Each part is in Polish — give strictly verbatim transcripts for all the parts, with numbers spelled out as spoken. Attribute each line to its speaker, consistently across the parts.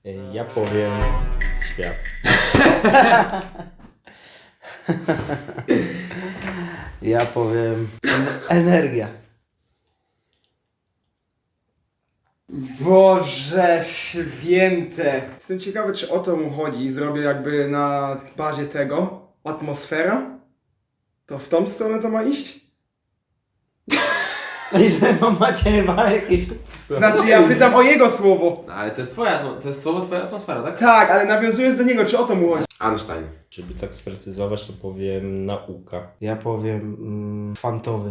Speaker 1: Ja powiem świat.
Speaker 2: Ja powiem energia.
Speaker 3: Boże święte. Jestem ciekawy, czy o to mu chodzi. Zrobię jakby na bazie tego atmosfera. To w tą stronę to ma iść?
Speaker 2: I wy macie ma jakieś...
Speaker 3: Znaczy ja pytam o jego słowo.
Speaker 4: No, ale to jest twoja, atmo- to jest słowo twoja atmosfera, tak?
Speaker 3: Tak, ale nawiązując do niego, czy o to mu chodzi?
Speaker 4: Einstein.
Speaker 1: Żeby tak sprecyzować, to powiem nauka.
Speaker 2: Ja powiem mm, kwantowy.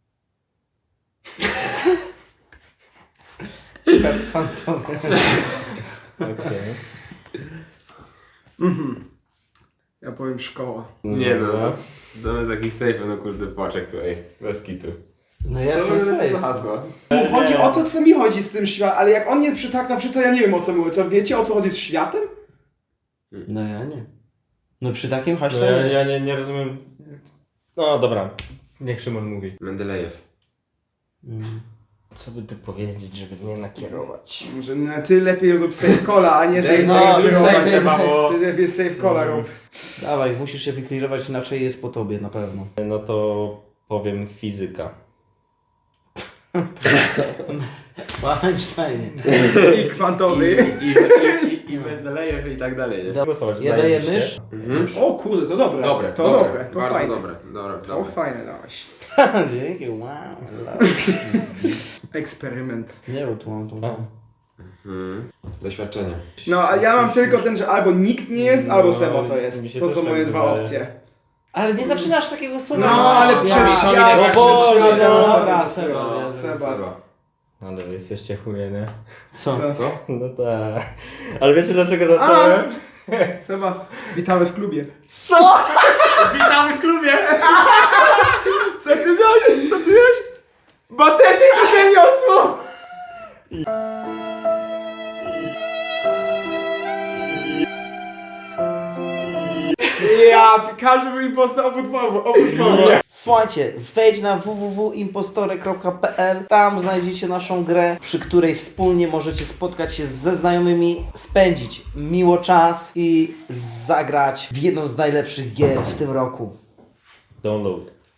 Speaker 2: Świat kwantowy.
Speaker 1: Okej.
Speaker 3: Mhm. Ja powiem szkoła.
Speaker 4: Nie no, no. To jest jakiś safe, no kurde płaczek tutaj. Bez kitu.
Speaker 2: No
Speaker 4: Co
Speaker 2: jasne,
Speaker 4: to za
Speaker 2: safe.
Speaker 4: hasła?
Speaker 3: Mu chodzi o to, co mi chodzi z tym światem, ale jak on nie przytakna przy to, ja nie wiem o co mówię. To wiecie o co chodzi z światem?
Speaker 2: No ja nie. No przy takim
Speaker 1: No
Speaker 2: haśle
Speaker 1: ja,
Speaker 2: nie.
Speaker 1: ja nie, nie rozumiem. No dobra, niech Szymon mówi.
Speaker 4: Mendelejew.
Speaker 2: Mm.
Speaker 1: Co by tu powiedzieć, żeby mnie nakierować?
Speaker 3: Może no, ty lepiej rób safe cola, a nie że
Speaker 4: Daj,
Speaker 3: innego
Speaker 2: no,
Speaker 4: daj,
Speaker 3: kierować.
Speaker 4: safe trzeba, bo...
Speaker 3: Ty lepiej safe cola rób.
Speaker 2: Dawaj, musisz się wyklirować, inaczej jest po tobie na pewno.
Speaker 1: No to powiem fizyka.
Speaker 2: Po Einsteinie.
Speaker 3: I
Speaker 4: I,
Speaker 3: kwantowy.
Speaker 4: i, i, i, i Mendelejew i tak dalej, nie?
Speaker 1: Głosować,
Speaker 2: Ja
Speaker 1: zdaje
Speaker 2: daję
Speaker 1: mi się.
Speaker 2: mysz.
Speaker 4: Mhm.
Speaker 3: O kurde, to dobre.
Speaker 4: Dobre,
Speaker 3: to
Speaker 4: dobre,
Speaker 3: dobre, to
Speaker 4: bardzo
Speaker 3: fajne.
Speaker 4: dobre. Dobra,
Speaker 3: To
Speaker 4: dobra.
Speaker 3: fajne dałeś.
Speaker 2: Dzięki, wow.
Speaker 3: Eksperyment.
Speaker 2: Nie, bo tu mam tu.
Speaker 1: A.
Speaker 4: Mhm. Doświadczenie.
Speaker 3: No, a ja mam tylko ten, że albo nikt nie jest, albo
Speaker 1: No,
Speaker 3: Seba to
Speaker 1: mi
Speaker 3: jest.
Speaker 1: się
Speaker 3: To
Speaker 1: też
Speaker 3: są
Speaker 1: tak
Speaker 3: moje dwa
Speaker 1: wydaje.
Speaker 3: opcje.
Speaker 2: Ale nie zaczynasz takiego słowa.
Speaker 3: No, ale
Speaker 2: Ja-
Speaker 3: przez świat,
Speaker 4: No
Speaker 3: przez
Speaker 4: Boże,
Speaker 3: świat, ja
Speaker 2: no,
Speaker 3: na
Speaker 2: dobra,
Speaker 3: Seba.
Speaker 2: Seba,
Speaker 4: No,
Speaker 2: ja-
Speaker 3: Seba.
Speaker 4: Seba.
Speaker 1: Ale wy jesteście chuje, nie?
Speaker 2: Co?
Speaker 3: Co?
Speaker 4: Co?
Speaker 1: No tak. Ale wiecie dlaczego zacząłem?
Speaker 3: Seba, witamy w klubie.
Speaker 2: Co?
Speaker 4: Witamy w klubie!
Speaker 3: Co ty miałeś? Co ty miałeś? Batetyk i niosło! Ja, każdy był impostor oprócz Pawła.
Speaker 2: Słuchajcie, wejdź na w w w kropka impostory kropka p l. Tam znajdziecie naszą grę, przy której wspólnie możecie spotkać się ze znajomymi, spędzić miło czas i zagrać w jedną z najlepszych gier w tym roku.
Speaker 1: Download.